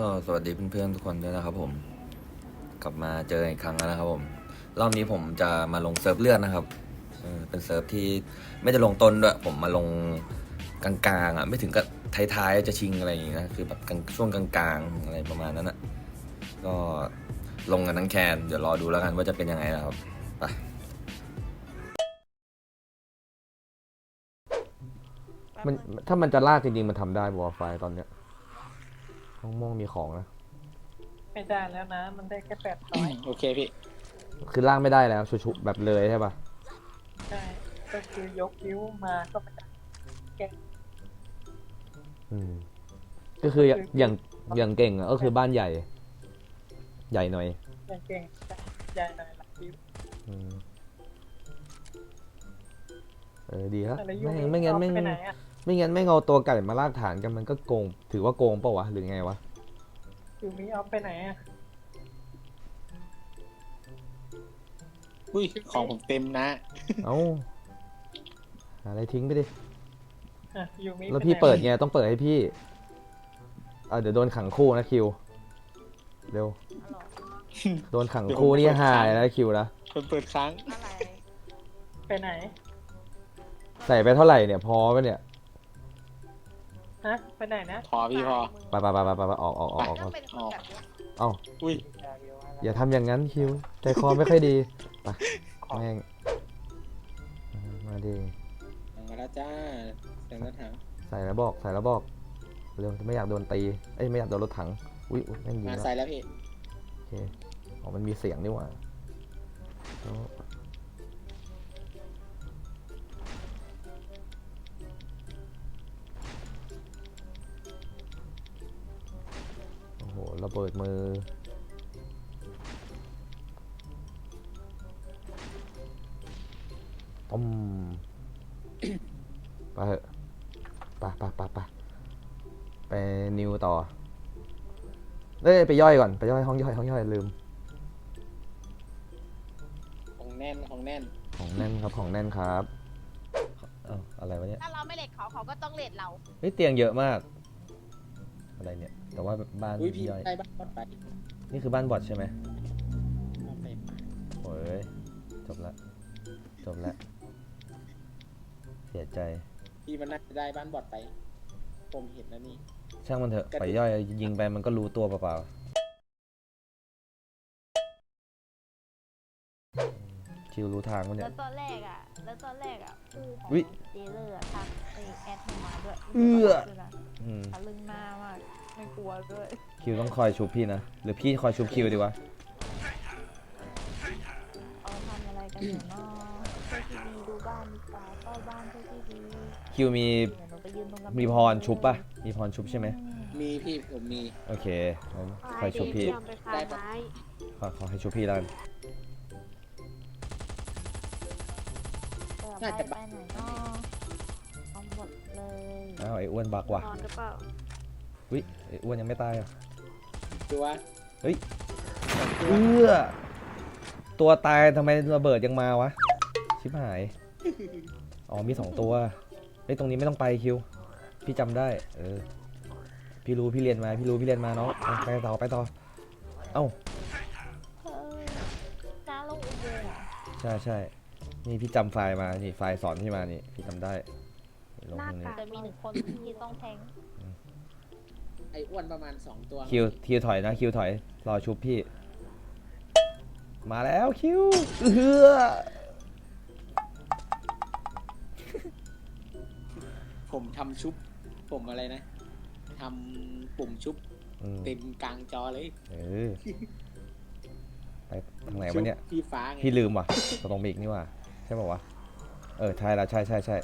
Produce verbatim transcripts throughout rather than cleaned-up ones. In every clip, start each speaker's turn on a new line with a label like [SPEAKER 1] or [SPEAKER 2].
[SPEAKER 1] ก็สวัสดีเพื่อนๆทุกคนด้วยนะครับผมกลับมาเจออีกครั้งแล้วนะครับผมรอบนี้ผมจะมาลงเซิร์ฟเลือดนะครับเออเป็นเซิร์ฟที่ไม่ได้ลงต้นด้วยผมมาลงกลางๆอ่ะไม่ถึงกับท้ายๆจะชิงอะไรอย่างงี้นะคือแบบช่วงกลางๆอะไรประมาณนั้นอ่ะก็ลงกันทั้งแคนเดี๋ยวรอดูแล้วกันว่าจะเป็นยังไงนะครับไป
[SPEAKER 2] มันถ้ามันจะลากจริงๆมันทำได้บอไฟตอนเนี้ยห้องม่วงมีของนะ
[SPEAKER 3] ไม่ได้แล้วนะ มันได้แค่แปดร้อย
[SPEAKER 4] โอเคพี่
[SPEAKER 2] คือลากไม่ได้แล้วชุบๆแบบเลยใช่ปะ
[SPEAKER 3] ใช่ ก็คือยกนิ้วมาก็ไม่ได้แกะ
[SPEAKER 2] อืมก็คืออย่างอย่างอย่างเก่งอะก็คือบ้านใหญ่ ใหญ่หน่อย
[SPEAKER 3] อย่างเก่งใหญ่หน่อยหลักนิ้ว
[SPEAKER 2] อืมเออดีครับ
[SPEAKER 3] แต่ละยุ
[SPEAKER 2] ไม่
[SPEAKER 3] ค
[SPEAKER 2] ไม่งั้น
[SPEAKER 3] เอา
[SPEAKER 2] ไม่
[SPEAKER 3] ไปไหนอ่ะ
[SPEAKER 2] ไม่งั้นไม่เอาตัวไก่มาลากฐานกันมันก็โกง ถือว่าโกงเปล่าวะหรือไงวะ
[SPEAKER 3] อยู่มีเอาไปไหนอ่ะ
[SPEAKER 4] อุ้ย ของผมเต็มนะ
[SPEAKER 2] เอ้าหาอะไรทิ้งไปดิ
[SPEAKER 3] อ่ะอยู่มี
[SPEAKER 2] แล้วพี่เปิดไงต้องเปิดให้พี่อ่าเดี๋ยวโดนขังคู่นะคิวเร็วโดนขังคู่นี่หายแล้วคิวนะ
[SPEAKER 4] เปิดเปิดครั้ง
[SPEAKER 5] อะไร
[SPEAKER 3] ไปไหน
[SPEAKER 2] ใส่ไปเท่าไหร่เนี่ยพอปะเนี่ย
[SPEAKER 3] ฮะ ไปไหนนะ
[SPEAKER 4] พอพี่พอ
[SPEAKER 2] ไปไปไปไปไปออกออกออกออก
[SPEAKER 5] ต้
[SPEAKER 2] อ
[SPEAKER 5] อ
[SPEAKER 2] อง ก
[SPEAKER 5] เป็นคนแบบเนี้ย
[SPEAKER 2] เอ้า
[SPEAKER 4] อุ้ย
[SPEAKER 2] อย่าทำอย่างนั้นคิวใจคอไม่ค่อยดีไปแม่งมาดิ
[SPEAKER 4] มาแล้วจ้าเสียงรถถัง
[SPEAKER 2] ใส่แล้วบอกใส่แล้วบอกเร็วไม่อยากโดนตีเอ้ยไม่อยากโดนรถถังอุ้ยอุ๊ยแม่งยิง
[SPEAKER 4] มา
[SPEAKER 2] แล้ว
[SPEAKER 4] ใส่แล้วพี่
[SPEAKER 2] โอเคอ๋อมันมีเสียงนี่หว่าแล้วโอ้โหระเบิดมือต้ม ไปเถอะไปไปไปไปไปนิวต่อเอ้ยไปย่อยก่อนไปย่อยห้องย่อยห้องย่อยลืม
[SPEAKER 4] ของแน่นของแน่น
[SPEAKER 2] ของแน่นครับของแน่นครับเอ้าอะไรวะเนี่ย
[SPEAKER 5] ถ้าเราไม่เลทเขาเขาก็ต้องเลทเรา
[SPEAKER 2] เฮ้ยเตียงเยอะมากอะไรเนี่ยแต่ว่าบ้าน
[SPEAKER 4] อุ้ยพี่
[SPEAKER 2] ย่อย
[SPEAKER 4] ได้บ้านบอดไป
[SPEAKER 2] นี่คือบ้านบอดใช่ไหม
[SPEAKER 4] เอาไป
[SPEAKER 2] โอ้ยจบละจบละเสียใจ
[SPEAKER 4] พี่มันน่าจะได้บ้านบอดไป ผมเห็นแล้วนี่
[SPEAKER 2] ช่างมันเถอะ
[SPEAKER 4] กระดูก
[SPEAKER 2] ไปย่อยยิงไปมันก็รู้ตัวเปล่าๆคิวรู้ทางวะเนี่
[SPEAKER 5] แล้
[SPEAKER 2] ยว
[SPEAKER 5] ตอนแรกอ่ะ แล้วตอนแรกอ่ะคู่ของ
[SPEAKER 2] อุ๊ย
[SPEAKER 5] เจเลอร์อะทักไอแอดเข้ามาด้วย
[SPEAKER 2] เอื้อ
[SPEAKER 5] ด้วยนะ
[SPEAKER 2] อืม
[SPEAKER 5] ทะลึ่งหน้ามาก ไม่กลัวด้วย
[SPEAKER 2] คิวต้องคอยชุบพี่นะหรือพี่คอยชุบคิวดีวะ
[SPEAKER 5] เอาทำอะไรกันอยู่เนาะช่วยทีวีดูบ้านดีกว่าเฝ้าบ้านช่วยทีวี
[SPEAKER 2] คิวมี
[SPEAKER 5] เดี๋ยวหนูไปยืนตรงกำแพง
[SPEAKER 2] มีพรชุบปะมีพรชุบใช่ไหม
[SPEAKER 4] มีพี่ผมมี
[SPEAKER 2] โอเคงั้นคอยชุบพี่
[SPEAKER 4] ได้ปะ
[SPEAKER 2] ขอขอให้ชุบพี่แล้วกัน
[SPEAKER 5] เออไปไปไหนเนาะเอาหมดเลย
[SPEAKER 2] อ้าวไอ้อ้วนบักว่ะ
[SPEAKER 5] นอนหรือเปล่า
[SPEAKER 2] อุ้ยไอ้อ้วนยังไม่ตายอ่ะ
[SPEAKER 4] ตัว
[SPEAKER 2] เอื้อตัวตายทำไมระเบิดยังมาวะ ชิบหาย อ๋อมีสองตัวเฮ้ยตรงนี้ไม่ต้องไปคิว พี่จำได้ เออ พี่รู้พี่เรียนมา พี่รู้พี่เรียนมาเนาะอ่ะไปต่อไปต่อ เอ้า
[SPEAKER 5] เฮ้ยน้าลงอุโมงค์เหรอ
[SPEAKER 2] ใช่ใช่นี่พี่จำไฟล์มา นี่ไฟล์สอนพี่มานี่ พี่จำได้ลงตรงนี้
[SPEAKER 5] แต่มีหนึ่งคนที่ต้องแทง
[SPEAKER 4] ไอ้อ้วนประมาณสองตัว
[SPEAKER 2] คิวคิวถอยนะคิวถอย รอชุบพี่ มาแล้วคิวเออ
[SPEAKER 4] ผมทำชุบ ผมอะไรนะทำปุ่มชุบ
[SPEAKER 2] อืม
[SPEAKER 4] เต็มกลางจอเลย
[SPEAKER 2] เออ ไปทางไหนวะเนี่ย
[SPEAKER 4] ชุบพี่ฟ้าไง
[SPEAKER 2] พี่ลืมว่ะตรงมีอีกนี่ว่ะใช่ป่าวะ เออใช่แล้วใช่ใช่ใช่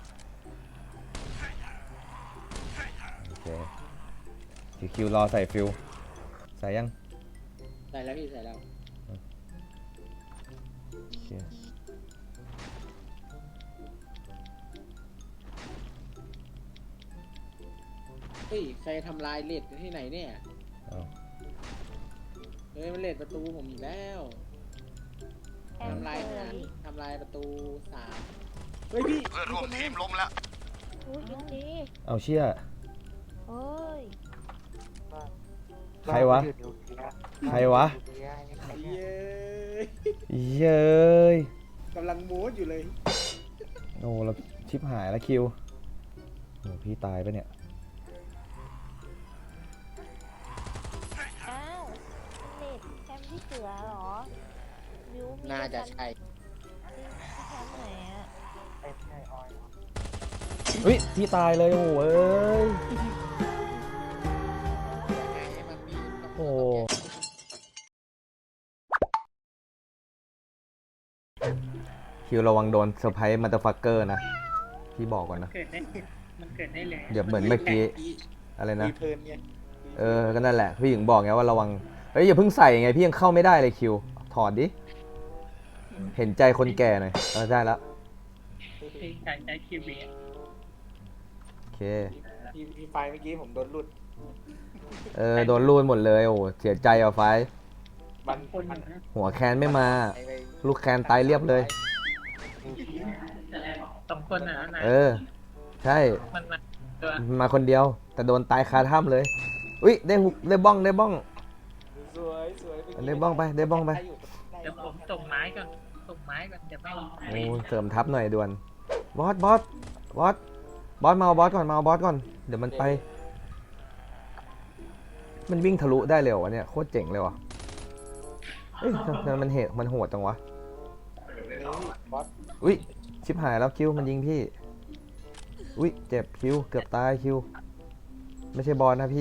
[SPEAKER 2] โอเคคิวคิวรอใส่ฟิวใส่ยัง
[SPEAKER 4] ใส่แล้วพี่ใส่แล้ว
[SPEAKER 2] โอเค
[SPEAKER 4] เฮ้ยใครทำลายเลดที่ไหนเนี่ย
[SPEAKER 2] เอา
[SPEAKER 4] เฮ้ยมันเลดประตูผมอีกแล้ว
[SPEAKER 5] แอน
[SPEAKER 4] ทำลาย
[SPEAKER 5] เซอ
[SPEAKER 4] หาร
[SPEAKER 5] ร์
[SPEAKER 4] ทำลายประตูสามเฮ้ยพี่
[SPEAKER 1] เพื่อนร่วมทีมล้มแล้ว
[SPEAKER 5] อุ้ยยินดี
[SPEAKER 2] เอาเชี่ย
[SPEAKER 5] เฮ้ย
[SPEAKER 2] ใครวะ ใครวะ
[SPEAKER 4] เย้
[SPEAKER 2] เย้ย
[SPEAKER 4] กำลังมูดอยู่เลย
[SPEAKER 2] โอ้เราชิบหายแล้วคิวโอ้พี่ตายปะเนี่ย
[SPEAKER 5] อ้าวเน็ตแคมป์ที่เสือเหรอวิวมี
[SPEAKER 4] น่าจะใช่
[SPEAKER 5] ที่ที่แคมป์ไหนอะ
[SPEAKER 3] ไอ้ไอ้ออย
[SPEAKER 2] เฮ้ยพี่ตายเลยโอ้เอ้ย โอ้ คิวระวังโดนเซอร์ไพรส์มาเตอร์ฟักเกอร์นะ พี่บอกก่อนนะ
[SPEAKER 3] เกิดได้มันเกิดได้เลย
[SPEAKER 2] เดี๋ยวเหมือนเมื่อกี้ อะไรนะ
[SPEAKER 4] รีเทิร์นไง
[SPEAKER 2] เออ ก็นั่นแหละ พี่ถึงบอกไงว่าระวัง เฮ้ยอย่าเพิ่งใส่ไง พี่ยังเข้าไม่ได้เลยคิว ถอดดิ เห็นใจคนแก่หน่อย เออได้แล้ว
[SPEAKER 3] ที่ใช้ใช้คิวบี
[SPEAKER 2] โอเค
[SPEAKER 4] พี่พี่ไฟเมื่อกี้ผมโดนหลุด
[SPEAKER 2] เออ โดนรูดหมดเลย โอ้เสียใจอ่ะไฟ
[SPEAKER 4] มัน
[SPEAKER 3] คน
[SPEAKER 4] มัน
[SPEAKER 2] หัวแคนไม่มา
[SPEAKER 4] ไปไป
[SPEAKER 2] ลูกแคนตายเรียบเลย
[SPEAKER 3] สองคนอ่ะนะ
[SPEAKER 2] เออ ใช่
[SPEAKER 3] มันมาตัว
[SPEAKER 2] มาคนเดียว แต่โดนตายคาถ้ำเลย อุ้ยได้หุกได้บ้องได้บ้อง
[SPEAKER 4] สวยสวยมื่กี้
[SPEAKER 2] ได้บ้องไปได้บ้องไป
[SPEAKER 3] เดี๋ยวผมส่งไม้ก่อนส่งไม้ก่อนเดี๋ยวไม่
[SPEAKER 2] โอ้เสริมทัพหน่อยด่วน บอส บอส บอส บอสมาเอาบอสก่อนมาเอาบอสก่อน เดี๋ยวมันไป มันวิ่งทะลุได้เลยเหรอวะเนี่ย โคตรเจ๋งเลยว่ะเอ้ยทำไมมันเหตุมันโหดจังวะ
[SPEAKER 4] นี่บอส
[SPEAKER 2] อุ้ย ชิบหายแล้วคิวมันยิงพี่ อุ้ย เจ็บคิว เกือบตายคิว ไม่ใช่บอสนะพี่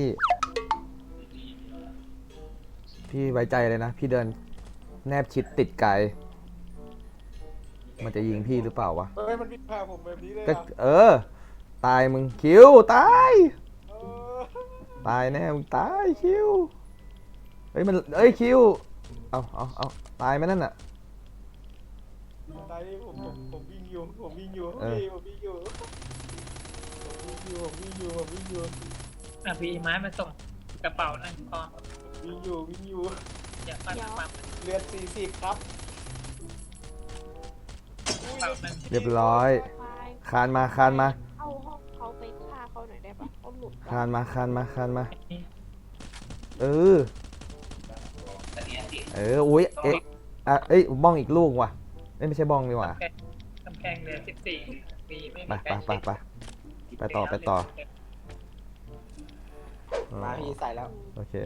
[SPEAKER 2] พี่ไว้ใจเลยนะ พี่เดินแนบชิดติดไกล มันจะยิงพี่หรือเปล่าวะ
[SPEAKER 4] เฮ้ยมันวิ่งพาผมแบบนี้เลย
[SPEAKER 2] ก็
[SPEAKER 4] อ่ะ
[SPEAKER 2] เออ ตายมึงคิว ตาย
[SPEAKER 4] เออ
[SPEAKER 2] ตายแน่มึงตายคิว เฮ้ยมันเอ้ยคิว เอาเอาเอาตายไหมนั่นน่ะ
[SPEAKER 4] ตายดิผมผมผมวิ่งอยู่ผมวิ่งอยู่
[SPEAKER 2] เออ
[SPEAKER 4] พี่ผมวิ่งอยู่ผมวิ่งอยู่ผมวิ่งอยู่ผมวิ่งอยู่
[SPEAKER 3] อ่ะพี่ไม้มาส่งกระเป๋านั่นพอ
[SPEAKER 4] วิ่งอยู่วิ่งอยู่
[SPEAKER 3] เดี๋ยวปั้นปั๊ม
[SPEAKER 4] เลือดสี่สิบครับ
[SPEAKER 3] กระเป๋านั่น
[SPEAKER 2] เรียบร้อย คานมาคานมา
[SPEAKER 5] เอาห้องเขาไปฆ่าเขาหน่อยได้ปะเขาหลุด
[SPEAKER 2] คานมาคานมาคานมา เออ เออ อุ้ย เอ๊ะอ่ะเอ้ย บ้องอีกลูกว่ะเอ้ยไม่ใช่บ้องนี่หว่ะ
[SPEAKER 3] กำแพงเหลือสิบสี่มีไม่
[SPEAKER 2] ไป
[SPEAKER 3] มี
[SPEAKER 2] ไปไปไปไปต่อไปต่ออ๋อ
[SPEAKER 4] มาพี่ใส่แล้ว
[SPEAKER 2] โอเค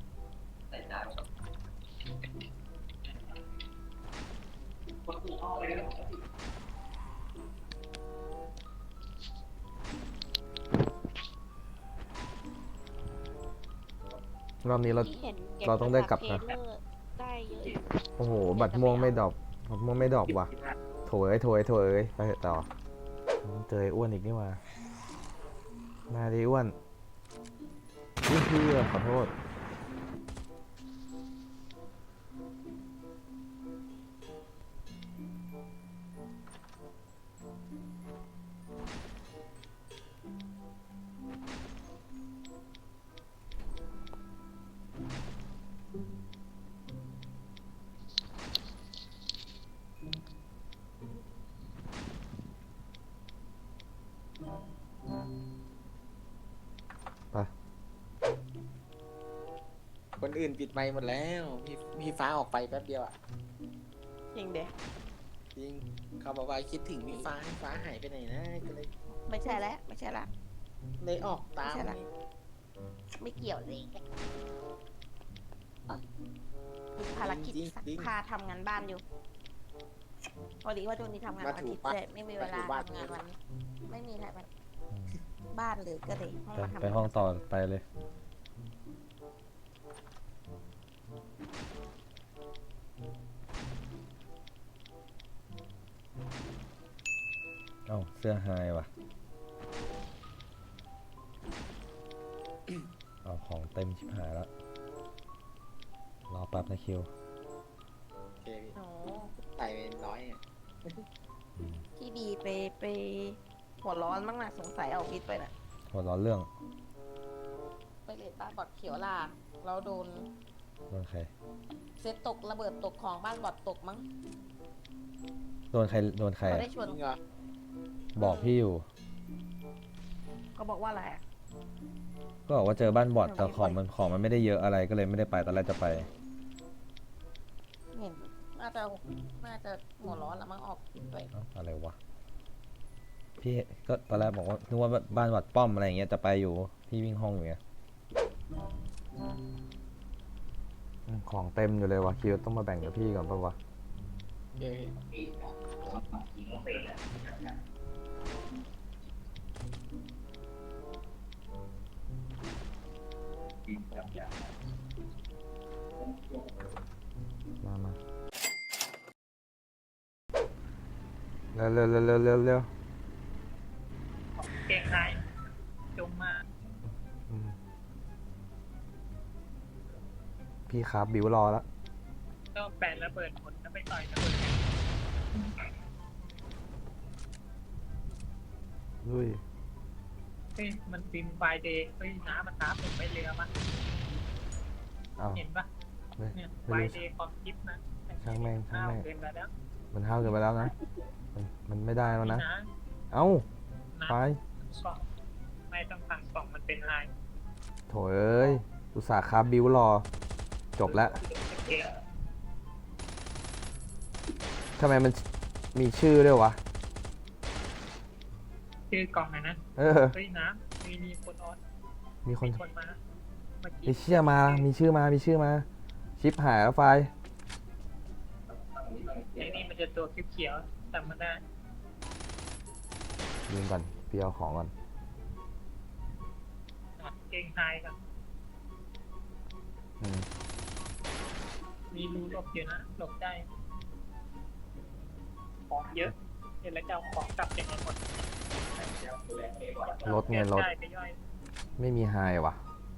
[SPEAKER 2] รอบนี้เรา
[SPEAKER 5] ที่เห็นก็บ
[SPEAKER 2] เราต้องได้กลับนะ
[SPEAKER 5] เทรลเลอร์ได้เยอะอยู่
[SPEAKER 2] โอ้โห บัตรม่วงไม่ดรอปบัตรม่วงไม่ดรอปว่ะ โถเอ้ยโถเอ้ยโถเอ้ยไปเถอะต่อเจอไอ้อ้วนอีกนี่มามาดิอ้วนอุ้ยพี่ขอโทษ ไป
[SPEAKER 4] คนอื่นปิดไมค์หมดแล้วพี่พี่ฟ้าออกไปแป๊บเดียวอ่ะ
[SPEAKER 5] จริงเด้
[SPEAKER 4] จริงเขาบอกว่าคิดถึงพี่ฟ้าพี่ฟ้าหายไปไหนนะก็เลย
[SPEAKER 5] ไม่ใช่แล้วไม่ใช่ละ
[SPEAKER 4] เลยออกตาม
[SPEAKER 5] ไม่ใช่ละ
[SPEAKER 4] นี่
[SPEAKER 5] ไม่เกี่ยวเลยมีภารกิจซักผ้าทำงานบ้านอยู่พอดีว่าช่วงนี้ทำงานวันอาทิตย์เลยไม่มีเวลาทำงานวันไม่มีอะไรวันบ้านเลยก็เลยห้อง
[SPEAKER 2] ไป
[SPEAKER 5] มาทำ
[SPEAKER 2] ไปห้องต่อไปเลย เอ้าเสื้อหายว่ะ เอาของเต็มชิบหายแล้ว รอแป๊บนะคิว
[SPEAKER 4] โอเคพี่
[SPEAKER 5] โอ้
[SPEAKER 4] ใส่เป็นร้อยอ่ะ
[SPEAKER 2] อืม
[SPEAKER 5] พี่บีไปไปหัวร้อนบ้างนะสงสัยเอาพิษไปน่ะ
[SPEAKER 2] หัวร้อนเรื่อง
[SPEAKER 5] ไปเลดบ้านบอดเขียวล่ะเราโดน
[SPEAKER 2] โดนใคร
[SPEAKER 5] เซตตกระเบิดตกของบ้านบอดตกมั้ง
[SPEAKER 2] โดนใคร โดนใคร
[SPEAKER 5] เขา
[SPEAKER 2] อะ
[SPEAKER 5] ได้ชวน
[SPEAKER 4] จริงเหรอ
[SPEAKER 2] บอกพี่อยู่
[SPEAKER 5] เขาบอกว่าอะไรอะ
[SPEAKER 2] เก็บอกว่าเจอบ้านบอดแต่ของมันของมันไม่ได้เยอะอะไรก็เลยไม่ได้ไปตอนแรกจะไป
[SPEAKER 5] เห็นน่าจะน่าจะหัวร้อนแล้วมั้งออกคลิปไป
[SPEAKER 2] เอ้าอะไรวะพี่ก็ตอนแรกบอกว่านึกว่าบ้านวัดป้อมอะไรอย่างเงี้ยจะไปอยู่พี่วิ่งห้องอยู่ไงอืมของเต็มอยู่เลยวะคิวต้องมาแบ่งกับพี่ก่อนปะวะ
[SPEAKER 4] เอ้ย
[SPEAKER 2] มามาเร็วเร็วเร็วเร็วเร็วเร็ว
[SPEAKER 3] เก่งไายจงมา
[SPEAKER 2] อืมพี่ครับบิวรอแล้ว
[SPEAKER 3] ก็แปะระเบิดหมดแล้วไปต่อยระเบิด
[SPEAKER 2] ลุย
[SPEAKER 3] เฮ้ยมันฟิล์มไฟเดย์เฮ้ยน้ำมันน้ำผมไปเรือมั้ย
[SPEAKER 2] อ้าว
[SPEAKER 3] เห็นปะ
[SPEAKER 2] ไม่
[SPEAKER 3] เนี่ยไฟ
[SPEAKER 2] ไม่รู้
[SPEAKER 3] เดย์ความคิดนะ
[SPEAKER 2] ช่างแม่งช่างแม่ง
[SPEAKER 3] เกินไปแล้ว
[SPEAKER 2] มันห้าวเกินไปแล้วนะมันมันไม่ได้แล้วนะ
[SPEAKER 3] นะ
[SPEAKER 2] เอ้า
[SPEAKER 3] นะ
[SPEAKER 2] ไป
[SPEAKER 3] กล่องไม่ต้องสั่งกล่องมันเป็นลาย
[SPEAKER 2] โถเอ้ยอุตส่าห์ครับบิวรอจบแล้ว
[SPEAKER 3] เก่ง
[SPEAKER 2] ทำไมมันมีชื่อด้วยวะ
[SPEAKER 3] ชื่อกล่องไหนนะ
[SPEAKER 2] เออ
[SPEAKER 3] เฮ้ยน้ำมีมีคนออน
[SPEAKER 2] มีคน
[SPEAKER 3] มีคนมาเมื่อ
[SPEAKER 2] มี
[SPEAKER 3] กี้
[SPEAKER 2] เชื่อมา มีชื่อมา มีชื่อมา ชิปหายแล้วไฟล์
[SPEAKER 3] ไอ้นี่มันจะตัวเขียวๆจำมันได้
[SPEAKER 2] ยิงก่อนพี่เอาของก่อน
[SPEAKER 3] นะเก่งไฮกัน
[SPEAKER 2] อืม
[SPEAKER 3] มีรูหลบอยู่นะหลบได้ของเยอะเห็นแล้วจะเอาของกลับยังไงหมด
[SPEAKER 2] รถไงรถ
[SPEAKER 3] ได้ไปย่อย
[SPEAKER 2] ไม่มีไฮว่ะ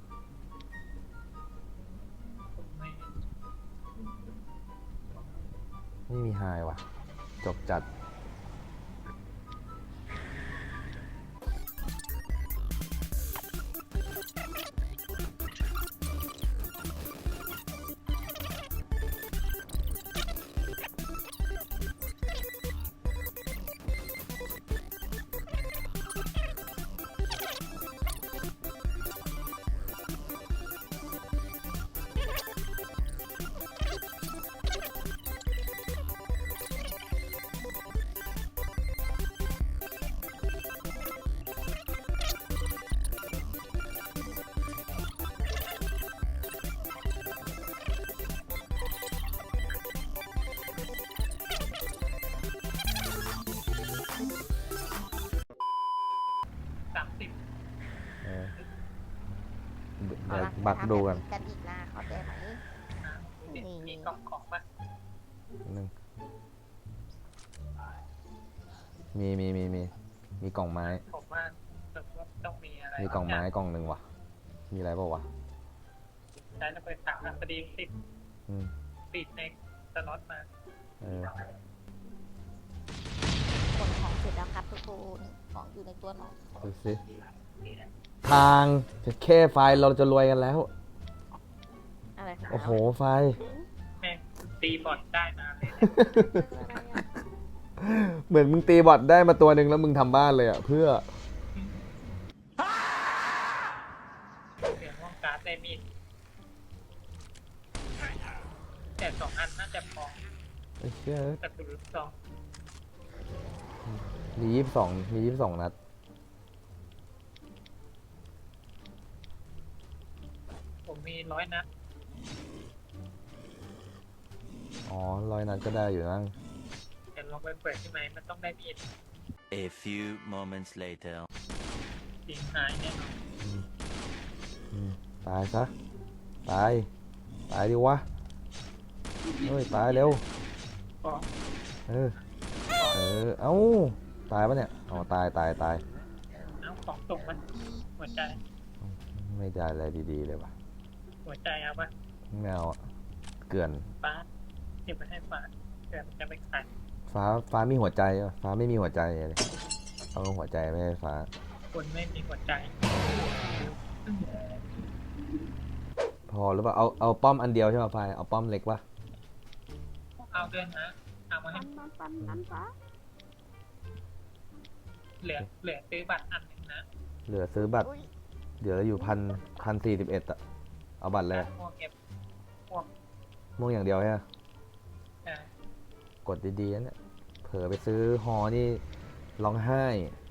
[SPEAKER 3] ผมไม่
[SPEAKER 2] ไม่มีไฮว่ะ จบจัด
[SPEAKER 3] สามสิบ
[SPEAKER 2] เออเดี๋ยว
[SPEAKER 5] เอาละ
[SPEAKER 2] บักดูกัน
[SPEAKER 5] ทำแบบกันอีกนะเข้าใจไหม
[SPEAKER 3] นะมีมีกล่องของมา
[SPEAKER 2] หนึ่งมีมีมีมีมีกล่องไม้
[SPEAKER 3] ผมว่าแบบว่าต้องมีอะไร
[SPEAKER 2] มีกล่องไม้กล่องหนึ่งว่ะ มีอะไรเปล่าวะ
[SPEAKER 3] ใช้ระเบิดถังอะพอดีติด
[SPEAKER 2] อืม
[SPEAKER 3] ติดในสล็อตมา
[SPEAKER 2] เออ
[SPEAKER 5] คนของเสร็จแล้วครับทุกคนของอยู่ในตัวหนอน
[SPEAKER 2] ดูสิทางจะแค่ไฟล์เราจะรวยกันแล้ว
[SPEAKER 5] อะไรคะ
[SPEAKER 2] โอ้โห ไฟล์
[SPEAKER 3] แม่งตีบอลได้มาเลย
[SPEAKER 5] อะไรอะ
[SPEAKER 2] เหมือนมึงตีบอทได้มาตัวหนึ่งแล้วมึงทำบ้านเลยอ่ะ เพื่อ
[SPEAKER 3] เสียงห้องการ์ดได้มีดแต่สองอันน่าจะพอ
[SPEAKER 2] ไอ้เชี่ย
[SPEAKER 3] แต่คือสอง
[SPEAKER 2] มียี่สิบสองมียี่สิบสองนัด
[SPEAKER 3] ผมมีร้อยนัด
[SPEAKER 2] อ๋อร้อยนัดก็ได้อยู่นั่ง
[SPEAKER 3] แต่ลองไปเปิดที่ไหนมันต้องได้มีด
[SPEAKER 6] A few moments later.
[SPEAKER 3] จริงหายแน่นอน
[SPEAKER 2] อืมตายซะ ตาย ตายดิวะ เฮ้ย ตายเร็ว
[SPEAKER 3] ก็
[SPEAKER 2] เออ เออ เอ้า ตายปะเนี่ย อ๋อ ตาย ตาย ตาย
[SPEAKER 3] น้ำของส่งมันหัวใจ
[SPEAKER 2] ไม่ได้อะไรดีๆเลยว่ะ
[SPEAKER 3] หัวใจเอาปะ
[SPEAKER 2] ไม่เอาอะเกลื่อน
[SPEAKER 3] ฟ้าเก็บไปให้ฟ้าเกิดมันจะไปขาย
[SPEAKER 2] ฟ้า ฟ้ามีหัวใจปะฟ้าไม่มีหัวใจเลยเอาหัวใจไม่ให้ฟ้า
[SPEAKER 3] คนไม่มีหัวใจ
[SPEAKER 2] พอหรือเปล่า เอา เอาป้อมอันเดียวใช่ป่ะไฟเอาป้อมเล็กปะ
[SPEAKER 3] เอาเดินนะเอามาให้
[SPEAKER 5] ปันปันปันปันปะ
[SPEAKER 3] เหลือเหลือซื้อบัตรอันหนึ่งนะ
[SPEAKER 2] เหลือซื้อบัตร
[SPEAKER 5] อุ้ย
[SPEAKER 2] เดี๋ยวเราอยู่พันพันสี่สิบเอ็ดอะเอาบัตรเลย
[SPEAKER 3] หมวกเก็บ
[SPEAKER 2] ม่วงอย่างเดียวใช่ไหม
[SPEAKER 3] อ่าก
[SPEAKER 2] ดดีๆนะเนี่ยเผลอไปซื้อฮอนี่ร้องไห้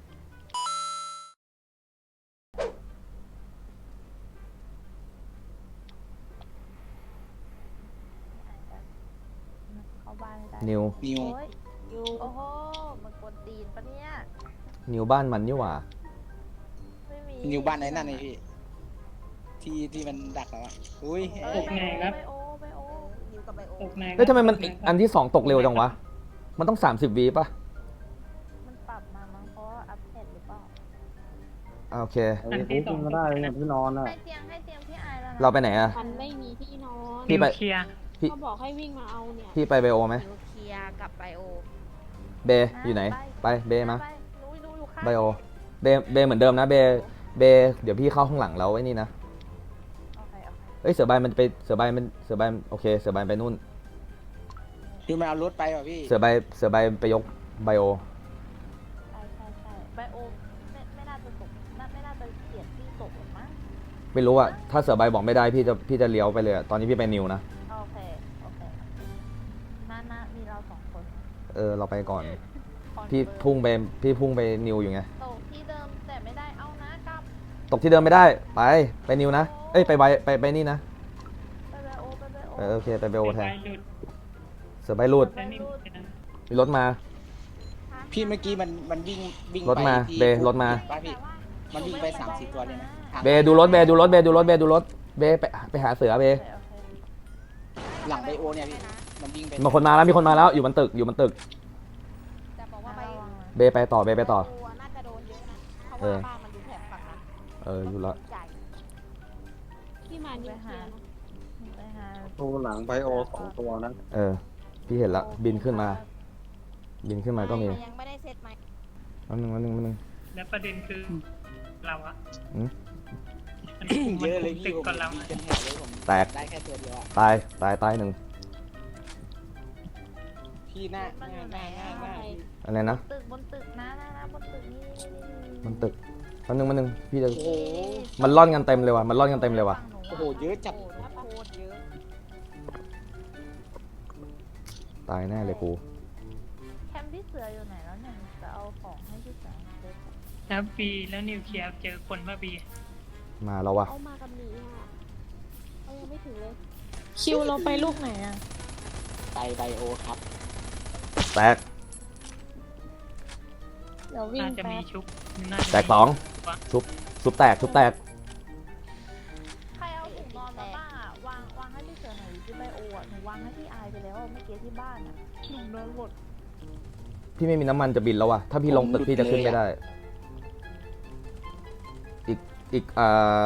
[SPEAKER 5] เข้าบ้านไม่ได้
[SPEAKER 2] นิว
[SPEAKER 4] นิว
[SPEAKER 5] โอ้ยยูโอ้โหมันกวนตีนปะเนี่ย
[SPEAKER 2] นิวบ้านมันนี่หว่า
[SPEAKER 5] ไม่มี
[SPEAKER 4] นิวบ้านไหนนั่นไงพี่ ที่ที่มันดักแล้วอะอุ้ย
[SPEAKER 5] เอ้ยไบโอไบโอไบโอนิวกับไบโอ
[SPEAKER 3] ตกใน
[SPEAKER 2] เฮ้ยทำไมมันอีกอันที่สองตกเร็วจังวะ มันต้อง สามสิบวิป่ะ
[SPEAKER 5] มันปรับมามั้งเพราะว่าอัปเดตหรือเปล่า
[SPEAKER 2] อ่าโอเค
[SPEAKER 3] อันที่สองก็ได้เนี่ยพี่นอนอ่ะ
[SPEAKER 5] ให้เตียงให้เตียงพี่ไอแล้วนะ
[SPEAKER 2] เราไปไหนอะ
[SPEAKER 7] มันไม่มีที่นอน
[SPEAKER 2] พี่ไป
[SPEAKER 3] เคลียร์
[SPEAKER 2] พี่
[SPEAKER 7] เขาบอกให้วิ่งมาเอาเนี่ย
[SPEAKER 2] พี่ไปไบโอไหม
[SPEAKER 5] นิวเคลียร์กับไบโอ
[SPEAKER 2] เบอยู่ไหน ไปเบมา
[SPEAKER 5] ไปหนูหนูอยู่ข้าง
[SPEAKER 2] ไบโอ เบ เบเหมือนเดิมนะ เบ เบ เดี๋ยวพี่เข้าข้างหลังแล้วไอ้นี่นะ
[SPEAKER 5] โอเคโอเค
[SPEAKER 2] เอ้ยเสือใบมันไป เสือใบมัน เสือใบโอเค เสือใบไปนู่น
[SPEAKER 4] คือมันเอารถไปว่ะพี่
[SPEAKER 2] เสือใบ เสือใบไปยกไบโอ
[SPEAKER 5] ใช่ใช่ใช่ไบโอไม่ไม่น่าจะตกน่าไม่น่าจะเปลี่ยนที่ตกหรอกมั้ง
[SPEAKER 2] ไม่รู้อะถ้าเสือใบบอกไม่ได้พี่จะ พี่จะเลี้ยวไปเลยอะตอนนี้พี่ไปนิวนะ
[SPEAKER 5] โอเคโอเคน่าน่ามีเราสองคน
[SPEAKER 2] เออ เราไปก่อน
[SPEAKER 5] คอน
[SPEAKER 2] พี่
[SPEAKER 5] เฟิร์ม
[SPEAKER 2] พุ่งไป พี่พุ่งไปนิวอยู่ไง
[SPEAKER 5] ตกที่เดิมแต่ไม่ได้เอานะกลับ
[SPEAKER 2] ตกที่เดิมไม่ได้ ไป ไปนิวนะ เอ้ย ไปไบไป ไปนี่นะ
[SPEAKER 5] ไปไบโอไปไบโอ
[SPEAKER 2] เออโอเค ไปไบโอแทน
[SPEAKER 3] ไปหลุด
[SPEAKER 2] เสือใบรูด
[SPEAKER 3] แล้วนี่เป็นอัน
[SPEAKER 2] มีรถมา
[SPEAKER 4] พี่เมื่อกี้มันมันวิ่งวิ่ง
[SPEAKER 2] รถมา
[SPEAKER 4] ไปที่
[SPEAKER 2] เบรถมา
[SPEAKER 4] ป้าพี่ มันวิ่งไปสามสิบตัวเลยนะ
[SPEAKER 2] เบดูรถ เบดูรถ เบดูรถ เบดูรถ เบไปไปหาเสือเบ
[SPEAKER 5] โอเคโอเค
[SPEAKER 4] หลังไบโอเนี่ยพี่ มันวิ่งไป
[SPEAKER 2] มีคนมาแล้ว มีคนมาแล้ว อยู่บนตึก อยู่บนตึก
[SPEAKER 5] จะบอกว่าไป
[SPEAKER 2] เบไปต่อ เบไปต่อ
[SPEAKER 5] ตัวน่าจะโดนเยอะนะเพราะ
[SPEAKER 2] เอ
[SPEAKER 5] ว่า
[SPEAKER 2] อ
[SPEAKER 5] บ้านมันอยู่แถบฝั่งนั้น
[SPEAKER 2] เออ อยู่แล้ว
[SPEAKER 5] ใหญ่
[SPEAKER 7] ที่มานิวเคลียร์นะ
[SPEAKER 5] ไปหา
[SPEAKER 3] ตัวหลังไบโอสองตัวนะ
[SPEAKER 2] เออ พี่เห็นละบินขึ้นมา บินขึ้นมาก็มี
[SPEAKER 5] ยังไม่ได้เซตไหม
[SPEAKER 2] อันนึงอันนึงอันนึง
[SPEAKER 3] และประเด็นคือเราอะ
[SPEAKER 2] อืม
[SPEAKER 3] มัน
[SPEAKER 4] เยอะเลย
[SPEAKER 3] ติ
[SPEAKER 4] พี่
[SPEAKER 3] ด
[SPEAKER 4] ผม
[SPEAKER 3] กับเรา
[SPEAKER 4] มีเป็นแถวเลยผม
[SPEAKER 2] แตก
[SPEAKER 4] ได้แค่ตัวเดียวอะ
[SPEAKER 2] ตาย ตาย ตายหนึ่ง
[SPEAKER 4] พี่หน้าหน้าหน้าหน้าหน้าพี่
[SPEAKER 2] อะไรนะ
[SPEAKER 5] ตึกบนตึกนะนะนะบนตึกนี่
[SPEAKER 2] มันตึกอันนึงอันนึงพี่จะ
[SPEAKER 4] โอ้โห
[SPEAKER 2] มันร่อนกันเต็มเลยว่ะ มันร่อนกันเต็มเลยว่ะ
[SPEAKER 4] โอ้โหเยอะจัด
[SPEAKER 5] โอ้โหโคตรเยอะ
[SPEAKER 2] ตายแน่เลยกู
[SPEAKER 5] แคมป์ที่เสืออยู่ไหนแล้วเนี่ยจะเอาของให้ที่เสือเดี๋ยว
[SPEAKER 3] แล้วบีแล้วนิวเคลียร์เจอคนว่าบี
[SPEAKER 2] มาแล้วว่ะ
[SPEAKER 7] เอามากับหนีอ่ะเอายังไม่ถึงเลย คิวเราไปลูกไหนอ่ะ
[SPEAKER 4] ไปไบโอครับ
[SPEAKER 2] แตก
[SPEAKER 7] เดี๋ยววิ่ง
[SPEAKER 3] น่าจะ
[SPEAKER 7] แป๊
[SPEAKER 3] มี
[SPEAKER 7] บ
[SPEAKER 3] ชุบน่าจะ
[SPEAKER 2] แตกสอง ชุบ ชุบแตก ชุบแตก
[SPEAKER 5] ใครเอาถุงนอนมาบ้างอ่ะวางวางให้ที่เสือหน่อยที่ไบโออ่ะหนูวางให้พี่อายไปแล้วเมื่อกี้ที่บ้านอ่ะหนูโดนหมด
[SPEAKER 2] พี่ไม่มีน้ำมันจะบินแล้วว่ะ ถ้าพี่ลงตึกพี่จะขึ้นไม่ได้ อีก อีกอ่า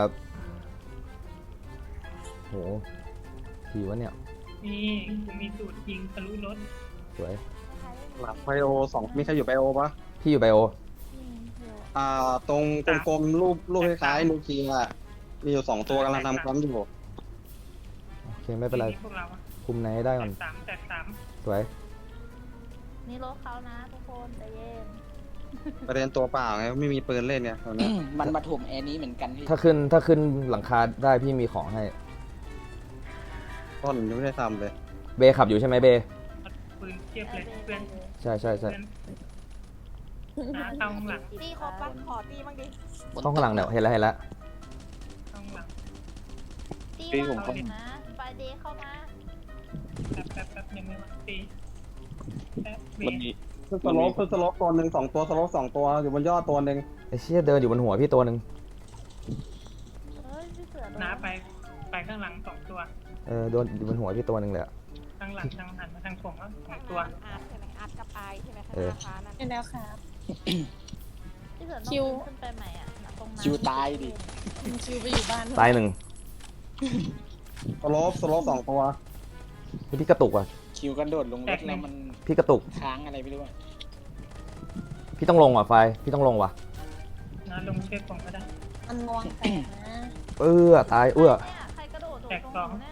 [SPEAKER 2] โหทีวะเนี่ย
[SPEAKER 3] นี่กูมีสูตรยิงทะลุรถ
[SPEAKER 2] สวย
[SPEAKER 8] หลังไบโอสองมีใครอยู่ไบโอปะ
[SPEAKER 2] พี่อยู่ไบโอ
[SPEAKER 8] อ่า ตรงกลมๆรูปรูปคล้ายๆนูเคียร์อะมีอยู่สองตัวกำลังทำความอยู่
[SPEAKER 2] โอเค ไม่เป็นไร
[SPEAKER 3] พวกเราอะ
[SPEAKER 2] คุมไหนให้ได้
[SPEAKER 3] แต
[SPEAKER 2] ก่อน
[SPEAKER 3] กสามแตกสาม
[SPEAKER 2] สวย
[SPEAKER 5] นี่รถเขานะทุกคนใจเย็น
[SPEAKER 8] ประเด็นตัวเปล่าไงไม่มีปืนเล่นเนี่ยตอนนี้
[SPEAKER 4] มันมาถ่วงแอร์นี้เหมือนกันพี่
[SPEAKER 2] ถ้าขึ้น ถ้าขึ้นหลังคาได้พี่มีของให้
[SPEAKER 8] ต้นยังไม่ได้ทำเลย
[SPEAKER 2] เบขับอยู่ใช่ไหมเบ
[SPEAKER 3] ปืนเทียบเลยเพื่อน
[SPEAKER 2] ใช่ใช่ใช่
[SPEAKER 3] เพื่อนนะเข้าข้างหลัง
[SPEAKER 5] ตีครบปะขอตีบ้างดิ
[SPEAKER 2] ห้องข้างหลังเนี่ยเห็นแล้วเห็นแล้ว
[SPEAKER 3] เข้าข้างหลัง
[SPEAKER 5] ตีวางก่อนนะไฟเดย์เข้ามา
[SPEAKER 3] แป๊บแป๊บแป๊บยังไม่มาตีแป๊บเบ
[SPEAKER 8] มันมีขึ้นสโลปขึ้นสโลปตัวหนึ่งสองตัวสโลปสองตัวอยู่บนยอดตัวหนึ่ง
[SPEAKER 2] ไอ้เชี่ยเดินอยู่บนหัวพี่ตัวหนึ่ง
[SPEAKER 5] เฮ้ยพี่เสือโดน
[SPEAKER 3] น้าไปไปข้างหลังสองตัว
[SPEAKER 2] เออโดนอยู่บนหัวพี่ตัวหนึ่งเลยอะ
[SPEAKER 3] ข้างหลังทางหันมาทางผมแล้วสองตัว
[SPEAKER 5] อาร์ตใช่ไหมอาร์ตกับไอใช่ไหมข้าง
[SPEAKER 2] เอ
[SPEAKER 5] ห
[SPEAKER 2] อ
[SPEAKER 5] น้าฟ้านั่น
[SPEAKER 7] เป็นแล้วครับ
[SPEAKER 5] พี่เสือ
[SPEAKER 7] คิว
[SPEAKER 5] ขึ้นไปใหม่อ่ะตรงนั้น
[SPEAKER 4] คิวตายดิ
[SPEAKER 7] คิวไปอยู่บ้านเถอะ
[SPEAKER 2] ตายหนึ่ง
[SPEAKER 8] สโลปสโลปสองตัว
[SPEAKER 2] พี่กระตุกว่ะ
[SPEAKER 4] คิวกระโดดลงรถแล้วมัน
[SPEAKER 2] พี่กระตุก
[SPEAKER 4] ค้างอะไรไม่รู้อะ
[SPEAKER 2] พี่ต้องลงว่ะไฟ พี่ต้องลงว่ะ
[SPEAKER 3] น้าลงเชือกผมก็ได้
[SPEAKER 7] มันงวงแตกนะ
[SPEAKER 2] เออตายเอื้อ
[SPEAKER 5] เนี่ยใครกระโดดโดด
[SPEAKER 3] แตก
[SPEAKER 5] ตรง
[SPEAKER 3] สอง
[SPEAKER 5] เนี่ย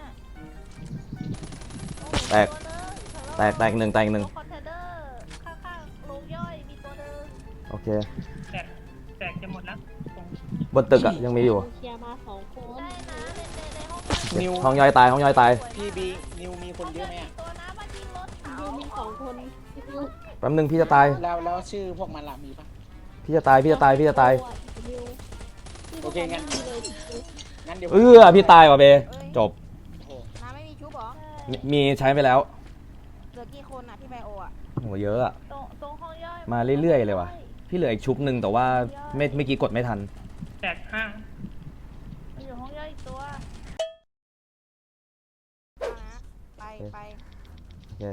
[SPEAKER 2] แตก แตกแตกหนึ่งแตกหนึ่ง
[SPEAKER 5] คอนเทนเนอร์ข้างๆโรงย่อยมีตัวเดิม
[SPEAKER 2] โอเค
[SPEAKER 3] แตกแตกจะหมดแล้ว
[SPEAKER 2] บนตึกอะยังมีอยู่
[SPEAKER 7] เคลียร์มาสองคน
[SPEAKER 5] ได้นะในในในห้อง
[SPEAKER 4] นิว
[SPEAKER 2] ห้องย่อยตายห้องย่อยตาย
[SPEAKER 4] พี่บีนิวมีคนเยอะไหมอ่ะ
[SPEAKER 5] ตัวนะมันยิงรถเขา
[SPEAKER 7] ยูมีสองคนยู
[SPEAKER 2] แป๊บนึงพี่จะตาย
[SPEAKER 4] แล้วแล้วชื่อพวกมันล่ะมีปะ
[SPEAKER 2] พี่จะตายพี่จะตายพี่จะตาย
[SPEAKER 7] ยู
[SPEAKER 4] โอเคงั้น
[SPEAKER 7] มีเลย
[SPEAKER 4] งั้นเดี๋ยว
[SPEAKER 2] เออพี่ตายว่ะเบจบ
[SPEAKER 4] โอ้โห
[SPEAKER 5] น้าไม่มีชุบเหรอ
[SPEAKER 2] มีมีใช้ไปแล้ว
[SPEAKER 5] เหลือกี่คนอ่ะที่ไบโออ่ะ
[SPEAKER 2] โหเยอะอะ
[SPEAKER 7] ตรงตรงห้องย่อย
[SPEAKER 2] มาเรื่อยๆเลยว่ะพี่เหลืออีกชุบหนึ่งแต่ว่าไม่เมื่อกี้กดไม่ทัน
[SPEAKER 3] แตกห้าง
[SPEAKER 7] มันอยู่ห้องย่อยอีกตัว
[SPEAKER 5] เอานะไปไป
[SPEAKER 2] โอเค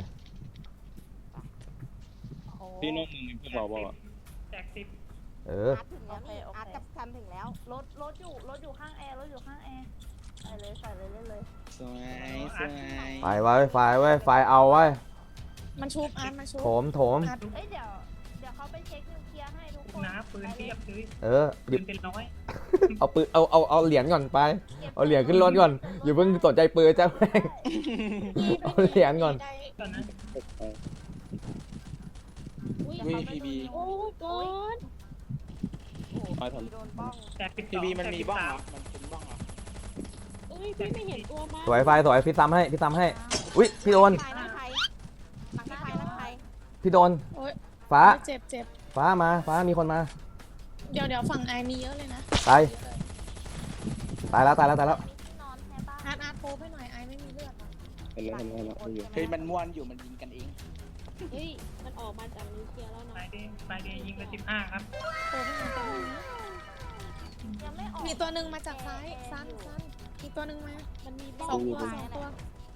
[SPEAKER 5] โอ้โห
[SPEAKER 8] พี่น้องมึงมีพวกเราบอกอ่ะ
[SPEAKER 3] แตกสิบ
[SPEAKER 2] เออ
[SPEAKER 5] อาร์ตถึงแล้วนี่อาร์ตกับซันถึงแล้ว
[SPEAKER 7] รถรถอยู่รถอยู่ข้างแอร์รถอยู่ข้างแอร์ใส่เลยใส่เลยเล่นเลย
[SPEAKER 4] สวยสวย
[SPEAKER 2] ไฟไว้ไฟไว้ไฟเอาไว้
[SPEAKER 7] มันชุบอาร์ตมันชุบ
[SPEAKER 2] โถมโถม
[SPEAKER 7] อาร์ตเอ้ยเดี๋ยวเดี๋ยวเขาไปเช็คนิวเคลียร์ให้ทุกคน
[SPEAKER 3] นะปืนเทียบเลย
[SPEAKER 2] เออห
[SPEAKER 3] ปื
[SPEAKER 2] ยิบ
[SPEAKER 3] นเป็นร้อย
[SPEAKER 2] เอาปืนเอาเอาเอาเหรียญก่อนไป เอาเหรียญขึ้นรถก่อนอย่าเพิ่งสนใจปืนจ้าแม่ง เอาเหรียญก่อน
[SPEAKER 3] ตอนนั้น
[SPEAKER 7] อุ้ย
[SPEAKER 4] เฮ้ยพีบี
[SPEAKER 7] โอ้ยก่อน
[SPEAKER 5] โอ้โหโดนบ้อง
[SPEAKER 3] แตกสิบส
[SPEAKER 4] พี
[SPEAKER 3] อง
[SPEAKER 4] บีมัน
[SPEAKER 3] แตก
[SPEAKER 4] มี
[SPEAKER 3] สิบ
[SPEAKER 4] บ้อง
[SPEAKER 3] สา
[SPEAKER 4] เหร
[SPEAKER 3] ม
[SPEAKER 4] อมันเป็นบ้องเหรอ
[SPEAKER 7] เอ้ยพี่ไม่เห็นตัวมัน
[SPEAKER 2] สวยไฟสวยพี่ซ้ำให้พี่ซ้ำให้อุ้ยพี่โดน
[SPEAKER 5] ใครนั่งใครนั่งใครนั่งใคร
[SPEAKER 2] พี่โดน
[SPEAKER 7] โอ้ย
[SPEAKER 2] ฟ้า
[SPEAKER 7] เจ็บเจ็บ
[SPEAKER 2] ฟ้ามาฟ้ามีคนมา
[SPEAKER 7] เดี๋ยวเดี๋ยวฝั่งไอมีเยอะเลยนะ
[SPEAKER 2] ตายตายแล้วตายแล้วตายแล้ว
[SPEAKER 5] มีที่นอนใช่ปะ
[SPEAKER 7] อาร์ตอาร์ตโทรไปหน่อยไอไม่มีเลือดอะ
[SPEAKER 8] เห็นแล้วเห็นแล้วเห็นแล้วอยู่
[SPEAKER 4] เฮ้ยมันม้วนอยู่มันยิงกันเอง
[SPEAKER 7] เฮ้ยมันออกมาจากนิวเคลียร์แล้ว
[SPEAKER 3] ไฟ
[SPEAKER 7] นะ
[SPEAKER 3] เดย์ไฟเดย์ยิงไปสิบห้าครับ
[SPEAKER 7] โทรไปหน่อยตัวนึงนะ
[SPEAKER 5] ยังไม่ออก
[SPEAKER 7] มีตัวหนึ่งมาจากซ้ายซ้ำซ้ำอีกตัวหนึ่งมามันมีสองตัวสองตัว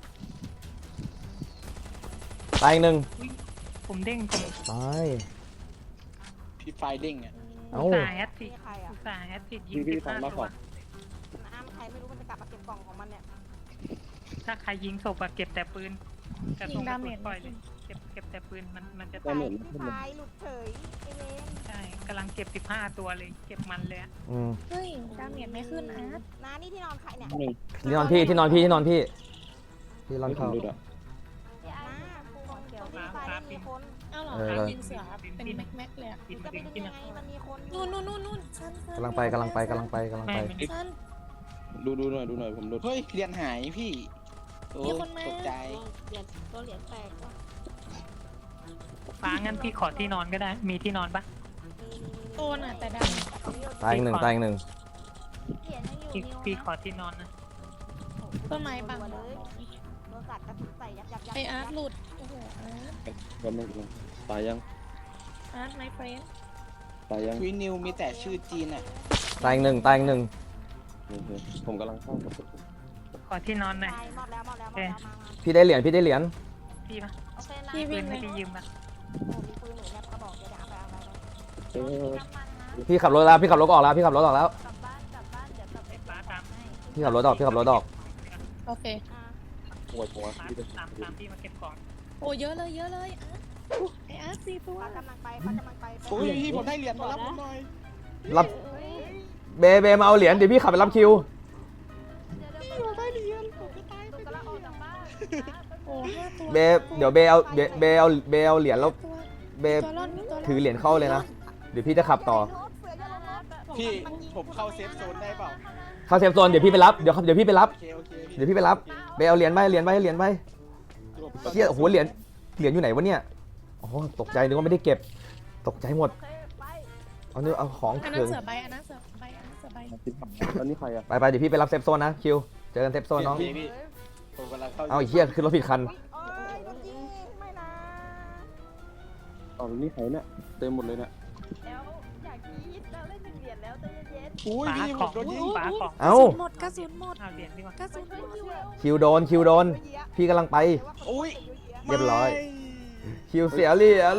[SPEAKER 2] ตายอีกหนึ่ง
[SPEAKER 3] ผมเด้งผม
[SPEAKER 2] ตาย
[SPEAKER 4] พี่ไฟเด้งอ่ะ
[SPEAKER 2] เอ้า
[SPEAKER 3] อุตส่าห์แฮตติ
[SPEAKER 5] มีใครอ่ะ
[SPEAKER 3] อุตส่าห์แฮตติยิงสิบห้าตัว
[SPEAKER 5] น้ำใครไม่รู้มันจะกลับมาเก็บกล่องของมันเนี่ย
[SPEAKER 3] ถ้าใครยิงศพอะเก็บแต่ปืนกระ
[SPEAKER 7] ยิ
[SPEAKER 3] สุ
[SPEAKER 7] ง
[SPEAKER 3] นก
[SPEAKER 7] ดา
[SPEAKER 3] ระ
[SPEAKER 7] เม
[SPEAKER 3] สุ
[SPEAKER 7] จ
[SPEAKER 3] นปล่อยเลยเก็บเก็บแต่ปืนมันมันจะ
[SPEAKER 5] ไป
[SPEAKER 3] ตาย
[SPEAKER 5] พี่พายหลุดเฉยไอเวน
[SPEAKER 3] ใช่กำลังเก็บสิบห้าตัวเลยเก็บมันเลยอะ
[SPEAKER 2] อืม
[SPEAKER 7] เฮ้ยดาเมจไม่ขึ้นอาร์ต
[SPEAKER 5] น้านี่ที่นอนใครเนี่ย
[SPEAKER 8] หนึ่ง
[SPEAKER 2] ที่นอนพี่ที่นอนพี่ที่นอนพี่ที่นอน
[SPEAKER 8] ไม่
[SPEAKER 2] เขา
[SPEAKER 8] ทำดูด้วย
[SPEAKER 5] น้าตรงตรงที่ไฟมีคน
[SPEAKER 7] เอ้าเหรอ
[SPEAKER 2] เออ
[SPEAKER 7] อาร์ตยิงเสือเป็นแม็กแม็กเลยอะ
[SPEAKER 3] กิน
[SPEAKER 5] จะไป
[SPEAKER 3] ดึง
[SPEAKER 5] ดึง
[SPEAKER 3] กิน
[SPEAKER 5] ยัง
[SPEAKER 3] อะ
[SPEAKER 5] ไงมันมีคนอยู่
[SPEAKER 7] นู่นนู่นนู่นนู่นสั้นสั้น
[SPEAKER 2] กำลังไปกำลังไปกำลังไปกำลัง
[SPEAKER 3] ไม่
[SPEAKER 2] ไป
[SPEAKER 3] ไม่
[SPEAKER 7] สั้น
[SPEAKER 8] ดูดูหน่อยดูหน่อยผมดู
[SPEAKER 4] เฮ้ยเหรียญหายพี่โอ้
[SPEAKER 7] มีคนมา
[SPEAKER 4] ตกใจ
[SPEAKER 7] เหรียญตัวเหรียญแตกว่ะ
[SPEAKER 3] ฟ้างั้นพี่ขอที่นอนก็ได้ มีที่นอนปะ
[SPEAKER 7] โตน่ะแต่ดำ
[SPEAKER 2] ตายอีกหนึ่งตายอีกหนึ่ง
[SPEAKER 7] เหรียญยังอยู่
[SPEAKER 3] พี่
[SPEAKER 7] นิว
[SPEAKER 3] พี่ขอที่นอนนะ
[SPEAKER 7] ต้นไม้บัง
[SPEAKER 5] เลย โดนกัดกระสุนใส่ยับยับยับ
[SPEAKER 7] ไออาร์ตหลุดโอ้โหอาร์ต
[SPEAKER 8] แล้วไม่ตายยัง
[SPEAKER 7] อาร์ตไมเฟรน
[SPEAKER 8] ตายยัง
[SPEAKER 4] วินิวมีแต่ชื่อจีนอ่ะ
[SPEAKER 2] ตายอีกหนึ่งตายอีกหนึ่ง
[SPEAKER 8] โอเคผมกำลังเข้า
[SPEAKER 3] ขอที่นอนหน่อย
[SPEAKER 5] ตายหมดแล้วหมดแล้วหมดแล้วมามา
[SPEAKER 2] พี่ได้เหรียญพี่ได้เหรียญ
[SPEAKER 3] พี่ปะ
[SPEAKER 5] โอเคนะ
[SPEAKER 7] พี่
[SPEAKER 3] ปื
[SPEAKER 7] วิ่
[SPEAKER 3] น
[SPEAKER 7] งเล
[SPEAKER 3] ไม่
[SPEAKER 7] ย
[SPEAKER 3] ได้ยืมปะ
[SPEAKER 5] โอ้มีปืนหนูแนบกระบอกเดี๋ยวเดี๋ยวเอาไปเอาไปเอาไป
[SPEAKER 8] เออ
[SPEAKER 5] น้ำมันนะ
[SPEAKER 2] พี่ขับรถแล้วพี่ขับรถออกแล้วพี่ขับรถออกแล้ว
[SPEAKER 5] กลับบ้านกลับบ้านเดี๋ยวกลับไป
[SPEAKER 3] ไอ้ฟ้าตามให้
[SPEAKER 2] พี่ขับรถออกพี่ขับรถออก
[SPEAKER 7] โอเค
[SPEAKER 5] อ่า
[SPEAKER 8] ปวดหัว
[SPEAKER 3] ฟ้า
[SPEAKER 8] พี่จะ
[SPEAKER 3] ตามตามพี่มาเก็บของ
[SPEAKER 7] โอ้เยอะเลยเยอะเลยอาร์ตอุ๊ยไออาร์ตสี่ตัว
[SPEAKER 5] ป้ากำลังไปป้ากำลังไปไป
[SPEAKER 4] โอ้ยพี่ผมได้เหรียญมารับผมหน่อย
[SPEAKER 2] รับ
[SPEAKER 5] เฮ้ย
[SPEAKER 2] เบเบมาเอาเหรียญเดี๋ยวพี่ขับไปรับคิว
[SPEAKER 5] เดี๋ยวเดี๋ยว
[SPEAKER 4] เราได้เหรียญผมจะตาย
[SPEAKER 5] หนูกำลังออกจากบ้าน
[SPEAKER 7] โอ้ห้าตัว
[SPEAKER 2] เบเดี๋ยวเบเอาเบเบเอาเบเอาเหรียญแล้ว
[SPEAKER 7] ตัว
[SPEAKER 2] เบ
[SPEAKER 7] ตัวรอดมีตัวรอด
[SPEAKER 2] ถือเหรียญเข้าเลยนะเดี๋ยวพี่จะขับต่อ
[SPEAKER 5] เสือจะลงรถ
[SPEAKER 4] พี่ผมเข้าเซฟโซนได้เปล่า
[SPEAKER 2] เข้าเซฟโซนเดี๋ยวพี่ไปรับเดี๋ยวเดี๋ยวพี่ไปรับ
[SPEAKER 4] โอเคโอเค
[SPEAKER 2] เดี๋ยวพี่ไปรับเบเอาเหรียญไปเหรียญไปเหรียญไปเฮียโอ้โหเหรียญเหรียญอยู่ไหนวะเนี่ยอ๋อตกใจนึกว่าไม่ได้เก็บ ตกใจหมด
[SPEAKER 5] โอเคไป
[SPEAKER 2] เอาเนื้อเอาของ
[SPEAKER 7] อันนั้
[SPEAKER 2] เถิ
[SPEAKER 7] น
[SPEAKER 2] ง
[SPEAKER 7] เสือใบอันนั้นเสือใบอันนั้นเสือใบ
[SPEAKER 8] แล้วนี่ใครอ่ะ
[SPEAKER 2] ไปไปเดี๋ยวพี่ไปรับเซฟโซนนะคิวเจอกันเซฟโซนน้อง
[SPEAKER 4] พี่พี่ผมกำลังเข้า
[SPEAKER 2] เอาไอ้เฮียขึ้นรถผิดคัน
[SPEAKER 5] โอ้ยรถยิงไม่นะ
[SPEAKER 8] เอาแล้วนี่ใครเนี่ยเต็มหมดเลยเนี่ย
[SPEAKER 5] แล้วอยากคิดเราเล่นหนึ่งเหรียญแล้วใจเย็น
[SPEAKER 4] อุ้ย
[SPEAKER 3] ฟ้า
[SPEAKER 4] พี่
[SPEAKER 3] ข
[SPEAKER 4] ผ
[SPEAKER 3] อง
[SPEAKER 4] มโดนยิง
[SPEAKER 3] ฟ้าของ
[SPEAKER 2] เอ้า
[SPEAKER 7] หมดกระสุนหมด
[SPEAKER 3] เอาเหรียญดีกว่าก
[SPEAKER 7] ระสุนหมด
[SPEAKER 2] คิวโดนคิวโดน พี่กำลังไป
[SPEAKER 4] อุ้ย
[SPEAKER 2] เรียบร้อย คิวเสียเหรียญ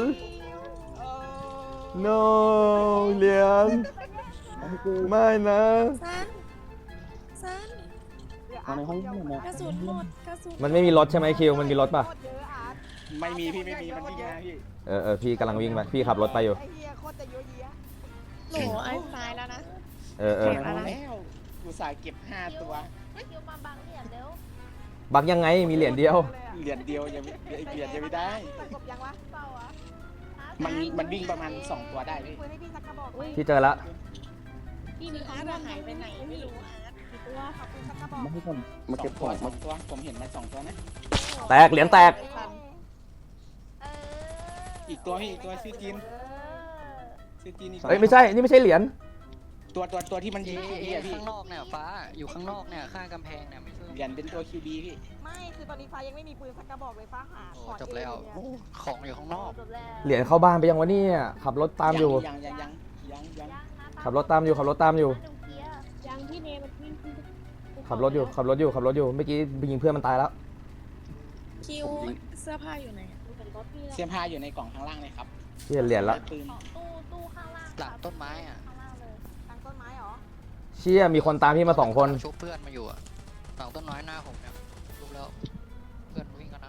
[SPEAKER 2] no เหรียญไม่นะ
[SPEAKER 7] ซันซัน
[SPEAKER 8] เอาในห้องนี่นะ
[SPEAKER 7] กระสุนหมดกระสุน
[SPEAKER 2] มันไม่มีรถใช่ไหมคิวมันมีรถป่ะ
[SPEAKER 4] ไม่มีพี่ไม่มีมันวิ่งมาพี่
[SPEAKER 2] เออเออพี่กำลังวิ่งไปพี่ขับรถไปอยู่
[SPEAKER 5] ไอ้เหี้ยโคตรจะยั่วเยี้ย
[SPEAKER 7] โหไอ้ตายแล้วนะ
[SPEAKER 2] เออเออ
[SPEAKER 7] เก็บอะไร
[SPEAKER 4] แล้วกูสายเก็บห้าตัว
[SPEAKER 5] คิวมาบังเหรียญเร็ว
[SPEAKER 2] บักยังไงมีเหรียญเดียว
[SPEAKER 4] เหรียญเดียวยังไม่เหรียญยังไม่ได้
[SPEAKER 5] สกบยังวะเปล่าอ่ะ
[SPEAKER 4] มันมันวิ่งประมาณสองตัวได้พี่
[SPEAKER 5] ปืนให้พี่สักกระบอกไหม
[SPEAKER 2] พี่เจอละ
[SPEAKER 7] พี่มีอาร์ตหายไปไหนไม่รู้อาร์ตกี่ตัวขอบคุณสักกระบอก
[SPEAKER 8] มาให้ผมมา
[SPEAKER 4] สอ
[SPEAKER 8] เก็
[SPEAKER 4] ง
[SPEAKER 8] บข
[SPEAKER 4] ตัว
[SPEAKER 8] อง
[SPEAKER 4] สองตัวผมเห็นมาสองตัวนะ
[SPEAKER 2] แตกเหรียญแตก
[SPEAKER 5] เออ
[SPEAKER 4] อีกตัวพี่อีกตัวชื่อจีน
[SPEAKER 5] เออ
[SPEAKER 4] ชื่อจีนอีก
[SPEAKER 2] เอ้ยไม่ใช่ นี่ไม่ใช่เหรียญ
[SPEAKER 4] ตัวตัวตัวที่มัน
[SPEAKER 9] เอ
[SPEAKER 4] ยิง
[SPEAKER 9] เอ
[SPEAKER 4] พี่อะพี่
[SPEAKER 9] ข้างนอกเนี่ยฟ้าอยู่ข้างนอกเนี่ยข้างกำแพงเนี่ยไม่ใช่
[SPEAKER 4] เหรียญเป็นตัวคิวบีพี่
[SPEAKER 5] ไม่คือตอนนี้ฟ้ายังไม่มีปืนสักกระบอกเลยฟ้าหา
[SPEAKER 9] โอ้
[SPEAKER 5] ขอ
[SPEAKER 9] จบแล้ว
[SPEAKER 5] เอง
[SPEAKER 9] โอ้ของอยู่ข้างนอก
[SPEAKER 5] จบแล้ว
[SPEAKER 2] เหรียญเข้าบ้านไปยังวะเนี่ยขับรถตามอยู่
[SPEAKER 4] ยังยังยังยังยัง
[SPEAKER 2] ขับรถตามอยู่ขับรถตามอยู่
[SPEAKER 7] ยังพี่เนมันวิ่งขึ้น
[SPEAKER 2] ขับรถอยู่ขับรถอยู่ขับรถอยู่เมื่อกี้ไปยิงเพื่อนมันตายแล้ว
[SPEAKER 7] คิวเสื้อผ้าอยู่ไหนอะดูเป็นรถพี่
[SPEAKER 4] เสื้อผ้าอยู่ในกล่องข้างล่างเลยครับ
[SPEAKER 2] เชี่ยเหรียญละ
[SPEAKER 4] ปืน
[SPEAKER 5] ตู้ตู้ข้างล่าง
[SPEAKER 9] หลังต้นไม้อ่ะ
[SPEAKER 5] ข้างล่างเลยหลังต้นไม้เหรอ
[SPEAKER 2] เชี่ยมีคนตามพี่มาสองคน
[SPEAKER 9] ชุบเพื่อนมาอยู่อ่ะหลังต้นไม้หน้าผมเนี่ยชุบแล้วเพื่อนวิ่งกันนะ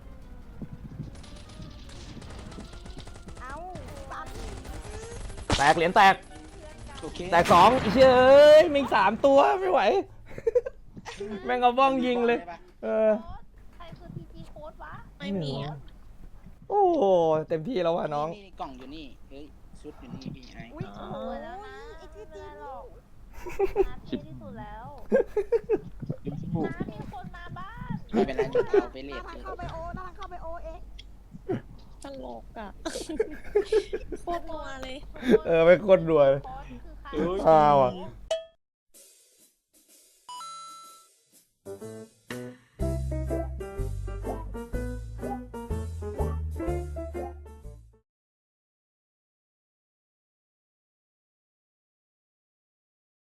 [SPEAKER 5] เอ้าตัด
[SPEAKER 2] แตกเหรียญแตก
[SPEAKER 4] โอเค
[SPEAKER 2] แตกสองอีเชี่ยเอ้ยมีสามตัวไม่ไหว แม่งเอาบ้องยิงเลย เออ
[SPEAKER 5] ใครคือพีจีโค้ดวะ
[SPEAKER 7] ไม่มีอะ
[SPEAKER 2] โอ้โหเต็มที่แล้วว่ะน้อง
[SPEAKER 4] นี่กล่องอยู่นี่เฮ้ยชุดอยู่นี่พี่ไอ้
[SPEAKER 5] อุ้ยโอ้โหแล้วนะไอ้ที่จีนหรอกนาทีที่สุดแล้วน้ามีคนมาบ้าน
[SPEAKER 4] ไม่เป็นไรเดี๋ยวเอาไปเล
[SPEAKER 5] นา
[SPEAKER 4] ท
[SPEAKER 5] ทางเข้าไปโอนาทางเข้าไปโอเอง
[SPEAKER 7] ตลกอ่ะโคตรนัวเลย
[SPEAKER 2] เออเป็นคนรวย
[SPEAKER 5] โค้ดคือใคร
[SPEAKER 2] อ้าวอ่ะ
[SPEAKER 5] เ